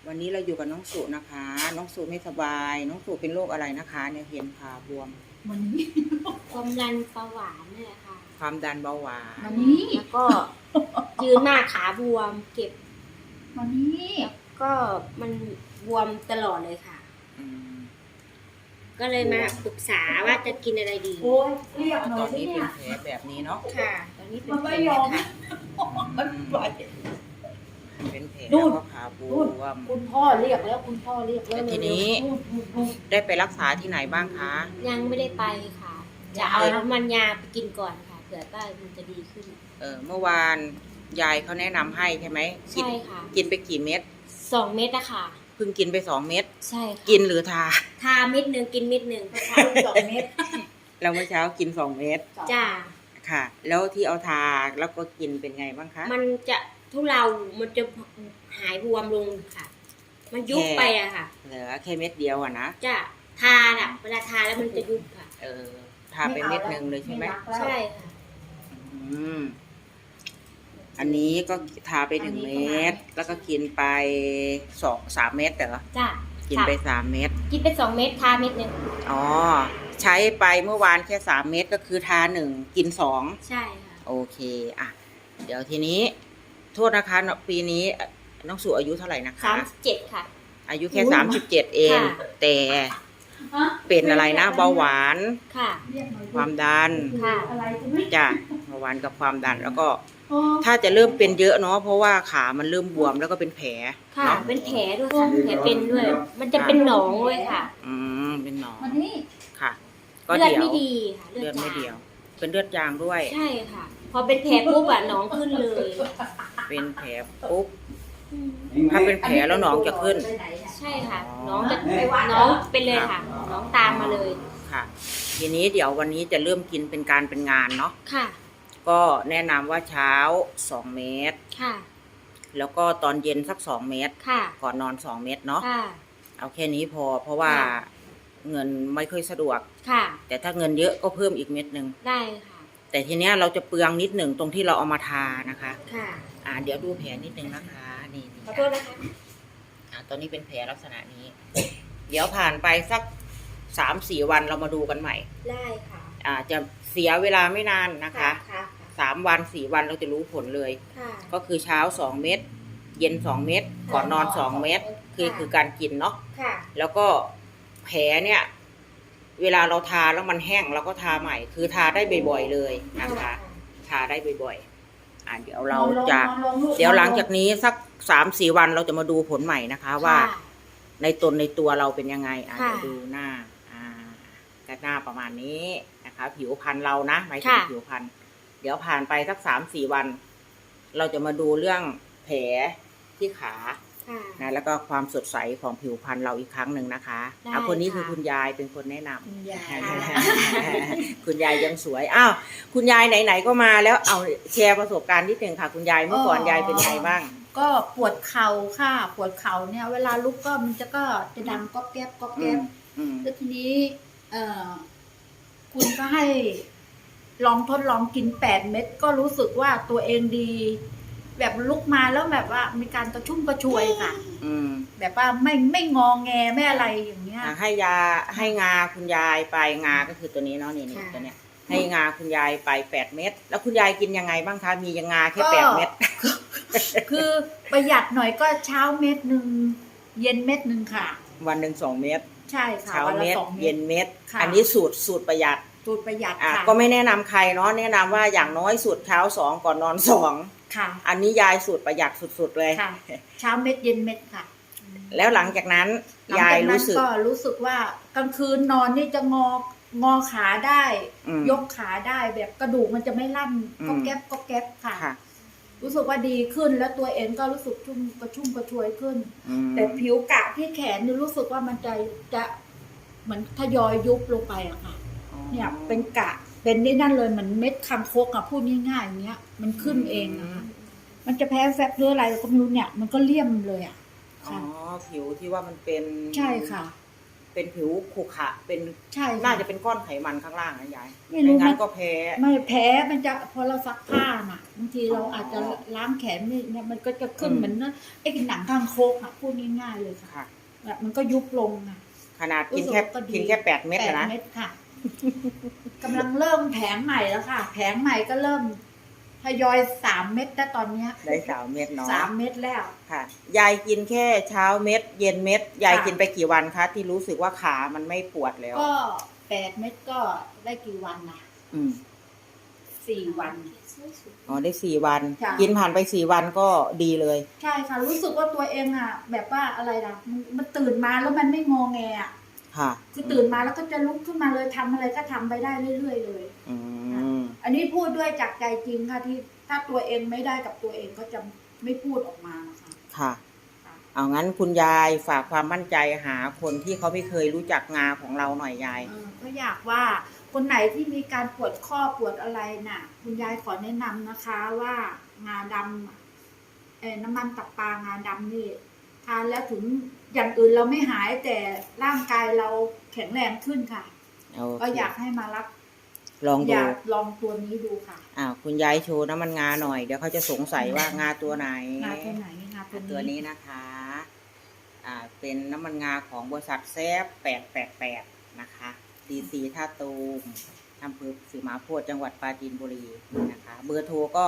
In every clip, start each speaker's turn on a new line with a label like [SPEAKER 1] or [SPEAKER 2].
[SPEAKER 1] วันนี้เราอยู่กับน้องสุนะคะ น้องสุไม่สบาย น้องสุเป็นโรคอะไรนะคะเนี่ยเห็นขาบวม
[SPEAKER 2] วันนี้
[SPEAKER 3] ความดันเบาหวานเนี่ยค่ะ
[SPEAKER 1] ความดันเบาหวาน
[SPEAKER 2] วันนี้
[SPEAKER 3] แล้วก็ยืนหน้าขาบวม เก็บ
[SPEAKER 2] วันนี้
[SPEAKER 3] ก็มันบวมตลอดเลยค่ะ
[SPEAKER 1] อืม
[SPEAKER 3] ก็เลยมาปรึกษาว่าจะกินอะไรดี
[SPEAKER 2] โอ้ยเรียกหน่
[SPEAKER 1] ต
[SPEAKER 2] อ
[SPEAKER 1] อย น
[SPEAKER 2] สิ
[SPEAKER 1] นี้เป็
[SPEAKER 2] เนี่
[SPEAKER 1] น
[SPEAKER 2] ย
[SPEAKER 1] แผลแบบนี้เนาะ
[SPEAKER 3] ค่ะ ตอนนี้เป็น
[SPEAKER 2] มัน
[SPEAKER 3] แผ
[SPEAKER 2] ไม่
[SPEAKER 3] ล
[SPEAKER 2] ยอม
[SPEAKER 3] ค่ะ
[SPEAKER 2] มันปล่อย
[SPEAKER 1] เป็นแผล
[SPEAKER 2] นู่
[SPEAKER 1] แล้ว
[SPEAKER 2] น
[SPEAKER 1] ก็ขาบ
[SPEAKER 2] นู่น
[SPEAKER 1] วม
[SPEAKER 2] คุณพ่อเรียกแล้วคุณพ่อเรียกแล้ว
[SPEAKER 1] แต่ทีนี้
[SPEAKER 2] นู่น
[SPEAKER 1] ได้ไปรักษาที่ไหนบ้างคะ
[SPEAKER 3] ยังไม่ได้ไปค่ะ จะเอาน้ำมันยาไปกินก่อนค่ะเผื่อว่ามันจะดีขึ้น
[SPEAKER 1] เมื่อวานยายเขาแนะนำให้ใช่ไหมกิน
[SPEAKER 3] ใช่ค่ะ
[SPEAKER 1] กินไปกี่เม็ด
[SPEAKER 3] 2 เม็ดอะค่ะ
[SPEAKER 1] เพิ่งกินไป2 เม็ด
[SPEAKER 3] ใช่ค่ะ
[SPEAKER 1] กินหรือทา
[SPEAKER 3] ทาเม็ดหนึ่งกินเม็ดหนึ่ง
[SPEAKER 2] ใช้2 เม็ด
[SPEAKER 1] เราเมื่อเช้ากิน2 เม็ด
[SPEAKER 3] จ้า
[SPEAKER 1] ค่ะ แล้วที่เอาทาแล้วก็กินเป็นไงบ้างคะ
[SPEAKER 3] มันจะทุเลามันจะหายบวมลงค่ะ มันยุบไปอะค่ะ
[SPEAKER 1] เหลือแค่เม็ดเดียวอะนะ
[SPEAKER 3] จะทาอะเวลาทาแล้วมันจะยุบค่ะ
[SPEAKER 1] ทาไปเม็ดหนึ่งเลยใช่ไหม
[SPEAKER 3] ใช่ค่ะ
[SPEAKER 1] อืมอันนี้ก็ทาไป1 เม็ดแล้วก็กินไป3 เม็ดเหรอ
[SPEAKER 3] จ้ะ
[SPEAKER 1] กินไป3 เม็ด
[SPEAKER 3] กินไป2 เม็ดทาเม็ดหนึ่ง
[SPEAKER 1] อ๋อใช้ไปเมื่อวานแค่3 เม็ดก็คือทา1กิน2
[SPEAKER 3] ใช่ค่ะ
[SPEAKER 1] โอเคอ่ะเดี๋ยวทีนี้โทษนะคะปีนี้น้องสุอายุเท่าไหร่นะคะ
[SPEAKER 3] 37ค่ะ
[SPEAKER 1] อายุแค่37เอง
[SPEAKER 3] ค่ะ
[SPEAKER 1] แต่
[SPEAKER 2] ฮะ
[SPEAKER 1] เป็นอะไรนะเบาหวาน
[SPEAKER 3] ค่ะ
[SPEAKER 2] เรียกหน่อย
[SPEAKER 1] ความดัน
[SPEAKER 3] ค่ะ
[SPEAKER 2] อะไรกูไม่
[SPEAKER 1] จ้ะเบาหวานกับความดันแล้วก็
[SPEAKER 2] อ๋อ
[SPEAKER 1] ถ้าจะเริ่มเป็นเยอะเนาะเพราะว่าขามันเริ่มบวมแล้วก็เป็นแผล
[SPEAKER 3] ค่ะ
[SPEAKER 1] เนาะ
[SPEAKER 3] เป็นแผลด้วยค่ะแผลเป็นด้วย มันจะเป็นหนองด้วยค่ะ
[SPEAKER 1] เป็นหนอง
[SPEAKER 2] วันนี้
[SPEAKER 1] ค่ะ ก็
[SPEAKER 3] เลือด
[SPEAKER 1] เดี๋ยว
[SPEAKER 3] ไม่ดีค่ะ
[SPEAKER 1] เลือดไม่
[SPEAKER 3] จาง
[SPEAKER 1] เดียว เป็นเลือดจางด้วย
[SPEAKER 3] ใช่ค่ะ พอเป็นแผลปุ๊บอะหนองขึ้นเลย
[SPEAKER 1] เป็นแผลปุ๊บ
[SPEAKER 3] อืม
[SPEAKER 1] ถ้าเป็นแผลแล้วหนองจะขึ้น
[SPEAKER 3] ใช่ค่ะหน้องจะหน้องเป็นเลยค่ะหน้องตามมาเลย
[SPEAKER 1] ค่ะ ทีนี้เดี๋ยววันนี้จะเริ่มกินเป็นการเป็นงานเนาะ
[SPEAKER 3] ค่ะ
[SPEAKER 1] ก็แนะนำว่าเช้า2 เม็ด
[SPEAKER 3] ค่ะ
[SPEAKER 1] แล้วก็ตอนเย็นสัก2 เม็ด
[SPEAKER 3] ค่ะ
[SPEAKER 1] ก่อนนอน2 เม็ดเนาะ
[SPEAKER 3] ค่ะ
[SPEAKER 1] เอาแค่นี้พอ เพราะว่า
[SPEAKER 3] ค่ะ
[SPEAKER 1] เงินไม่ค่อยสะดวก
[SPEAKER 3] ค่ะ
[SPEAKER 1] แต่ถ้าเงินเยอะก็เพิ่มอีกเม็ดหนึ่ง
[SPEAKER 3] ได้ค่ะ
[SPEAKER 1] แต่ทีเนี้ยเราจะเปลืองนิดหนึ่งตรงที่เราเอามาทานะคะ
[SPEAKER 3] ค่ะ
[SPEAKER 1] เดี๋ยวดูแผลนิดนึงนะคะนี่
[SPEAKER 3] ขอโทษนะคะ
[SPEAKER 1] ตอนนี้เป็นแผลลักษณะนี้ เดี๋ยวผ่านไปสัก3-4 วันเรามาดูกันใหม่
[SPEAKER 3] ได้ค่ะ
[SPEAKER 1] จะเสียเวลาไม่นานนะคะ
[SPEAKER 3] ค่ะ
[SPEAKER 1] 3 วัน 4 วันเราจะรู้ผลเลย
[SPEAKER 3] ค่ะ
[SPEAKER 1] ก็คือเช้า2 เม็ดเย็น2 เม็ดก่อนนอน2 เม็ดคือการกินเนาะ
[SPEAKER 3] ค่ะ
[SPEAKER 1] แล้วก็แผลเนี่ย เวลาเราทาแล้วมันแห้งเราก็ทาใหม่ คือทาได้บ่อยๆเลยนะคะ ทาได้บ่อยๆเดี๋ยวเราจะ
[SPEAKER 2] นอนลงลูก
[SPEAKER 1] เดี๋ยวหลังจากนี้สัก3-4 วันเราจะมาดูผลใหม่นะคะ ว่าในในตัวเราเป็นยังไงเดี๋ยวดูหน้าก็หน้าประมาณนี้นะคะ ผิวพรรณเรานะหมายถึงผิวพรรณเดี๋ยวผ่านไปสัก3-4 วัน เราจะมาดูเรื่องแผลที่ขา
[SPEAKER 3] ค่ะ
[SPEAKER 1] นะแล้วก็ความสดใสของผิวพรรณเราอีกครั้งหนึ่งนะคะ
[SPEAKER 3] ได้
[SPEAKER 1] คนนี้
[SPEAKER 3] ค่ะ
[SPEAKER 1] คือคุณยายเป็นคนแนะนำ
[SPEAKER 2] คุณยาย
[SPEAKER 1] คุณยายยังสวยคุณยายไหนๆก็มาแล้วเอาแชร์ประสบการณ์นิดหนึ่งค่ะ คุณยายเมื่อก่อนยายเป็นไงบ้าง
[SPEAKER 2] ก็ปวดเข่าค่ะ ปวดเข่าเนี่ย เวลาลุกก็มันจะดังก๊อบแก๊บก๊อบแก๊บ แล้วทีนี้ คุณก็ให้ลองทดลองกิน8 เม็ดก็รู้สึกว่าตัวเองดี แบบลุกมาแล้วแบบว่ามีการกระชุ่มกระชวยค่ะ แบบว่าไม่งอแงไม่อะไรอย่างเงี้ย
[SPEAKER 1] ให้งาคุณยายไปงาก็คือตัวนี้เนาะนี่ตัวเนี้ยให้งาคุณยายไป8 เม็ดแล้วคุณยายกินยังไงบ้างคะมียังงาแค่8 เม็ด
[SPEAKER 2] คือประหยัดหน่อยก็เช้าเม็ดหนึ่งเย็นเม็ดหนึ่งค่ะ
[SPEAKER 1] วันหนึ่ง2 เม็ด
[SPEAKER 2] ใช่ค่ะ
[SPEAKER 1] เช้า
[SPEAKER 2] วันละ
[SPEAKER 1] เม็ด
[SPEAKER 2] 2 เม็
[SPEAKER 1] เย็
[SPEAKER 2] ด
[SPEAKER 1] นเม็ด
[SPEAKER 2] ค่ะ
[SPEAKER 1] อันนี้สูตรประหยัด
[SPEAKER 2] สูตรประหยัดค่ะ
[SPEAKER 1] ก็ไม่แนะนำใครเนาะแนะนำว่าอย่างน้อยสูตรเช้า2ก่อนนอน2
[SPEAKER 2] ค่ะ
[SPEAKER 1] อันนี้ยายสูตรประหยัดสุดๆเลย
[SPEAKER 2] ค่ะ เช้าเม็ดเย็นเม็ดค่ะ
[SPEAKER 1] แล้วหลังจากนั้น
[SPEAKER 2] หลัง
[SPEAKER 1] ยาย
[SPEAKER 2] จากนั้น
[SPEAKER 1] รู้สึก
[SPEAKER 2] ก็รู้สึกว่ากลางคืนนอนนี่จะงอขาได้ ยกขาได้แบบกระดูกมันจะไม่ลั่นก็แก๊บก็แก๊บค่ะ
[SPEAKER 1] ค่ะ
[SPEAKER 2] รู้สึกว่าดีขึ้นแล้วตัวเองก็รู้สึกชุ่มกระชวยขึ้น
[SPEAKER 1] อืม
[SPEAKER 2] แต่ผิวกะที่แขนนี่รู้สึกว่ามันจะเหมือนทยอยยุบลงไปอะค่ะ เนี่ยเป็นกะเป็นนี่นั่นเลยเหมือนเม็ดคางคกอะพูดง่ายๆอย่างเงี้ย มันขึ้นเองนะคะมันจะแพ้แฟบหรืออะไรก็ไม่รู้เนี่ย มันก็เลี่ยมเลยอะ
[SPEAKER 1] อ๋อ
[SPEAKER 2] ค่ะ
[SPEAKER 1] ผิวที่ว่ามันเป็น
[SPEAKER 2] ใช่ค่ะ
[SPEAKER 1] เป็นผิวขรุขระเป็น
[SPEAKER 2] ใช่ค่
[SPEAKER 1] น่าจะเป็นก้อนไขมันข้างล่างนะยาย
[SPEAKER 2] ไม่รู้
[SPEAKER 1] งั้
[SPEAKER 2] มัน
[SPEAKER 1] นก็แพ้
[SPEAKER 2] ไม่แพ้มันจะพอเราซักผ้าน่ะบางทีเราอาจจะล้างแขนนี่เนี่ยมันก็จะขึ้นเหมือนไอ้หนังข้างโคกอ่ะพูดง่ายๆเลยค่ะ
[SPEAKER 1] ค่ะ
[SPEAKER 2] แบบมันก็ยุบลงอ่ะ
[SPEAKER 1] ขนาดกิน
[SPEAKER 2] รู้สึ
[SPEAKER 1] แค่
[SPEAKER 2] กว่าก็ดี
[SPEAKER 1] กินแค่8 เม็ด
[SPEAKER 2] 8
[SPEAKER 1] นะ
[SPEAKER 2] เม็ดค่ะ กำลังเริ่มแผงใหม่แล้วค่ะ แผงใหม่ก็เริ่มทยอย3 เม็ดแล้วตอนเนี้ย
[SPEAKER 1] ได้3 เม็ดเนาะ
[SPEAKER 2] 3 เม็ดแล้ว
[SPEAKER 1] ค่ะ ยายกินแค่เช้าเม็ด เย็นเม็ด ยาย
[SPEAKER 2] ค่ะ
[SPEAKER 1] กินไปกี่วันคะที่รู้สึกว่าขามันไม่ปวดแล้ว
[SPEAKER 2] ก็8 เม็ดก็ได้กี่วันนะ
[SPEAKER 1] อืม
[SPEAKER 2] 4 วัน
[SPEAKER 1] อ๋อได้4 วัน
[SPEAKER 2] ค่ะ
[SPEAKER 1] กินผ่านไป4 วันก็ดีเลย
[SPEAKER 2] ใช่ค่ะรู้สึกว่าตัวเองอ่ะ แบบว่าอะไรนะมันตื่นมาแล้วมันไม่งอแงอ่ะ
[SPEAKER 1] ค่ะ
[SPEAKER 2] คือตื่นมาแล้วก็จะลุกขึ้นมาเลยทำอะไรก็ทำไปได้เรื่อยๆเลย
[SPEAKER 1] อืม
[SPEAKER 2] อันนี้พูดด้วยจากใจจริงค่ะที่ถ้าตัวเองไม่ได้กับตัวเองก็จะไม่พูดออกมานะคะ
[SPEAKER 1] ค่ะ
[SPEAKER 2] ค่ะ
[SPEAKER 1] เอางั้นคุณยายฝากความมั่นใจหาคนที่เขาไม่เคยรู้จักงาของเราหน่อยยาย
[SPEAKER 2] ก็อยากว่าคนไหนที่มีการปวดข้อปวดอะไรน่ะ คุณยายขอแนะนำนะคะว่างาดำน้ำมันตับปลางาดำนี่ทานแล้วถึงอย่างอื่นเราไม่หายแต่ร่างกายเราแข็งแรงขึ้นค่ะ
[SPEAKER 1] โอเค
[SPEAKER 2] ก็อยากให้มารับ
[SPEAKER 1] ลอง
[SPEAKER 2] อ
[SPEAKER 1] ดู
[SPEAKER 2] ยากลองตัวนี้ดูค่ะ
[SPEAKER 1] คุณยายโชว์น้ำมันงาหน่อย เดี๋ยวเขาจะสงสัยว่างาตัวไหน
[SPEAKER 2] งาตัวไหนงา
[SPEAKER 1] ตัวนี้นะคะ เป็นน้ำมันงาของบริษัทแซฟ888นะคะ DC ท่าตูมอำเภอศรีมหาโพธิ์จังหวัดปราจีนบุรีนะคะ เบอร์โทรก็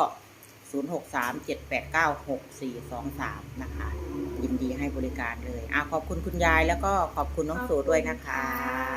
[SPEAKER 1] 0637896423 นะคะ ยินดีให้บริการเลยขอบคุณคุณยายแล้วก็ขอบคุณน้องโสด้วยนะคะ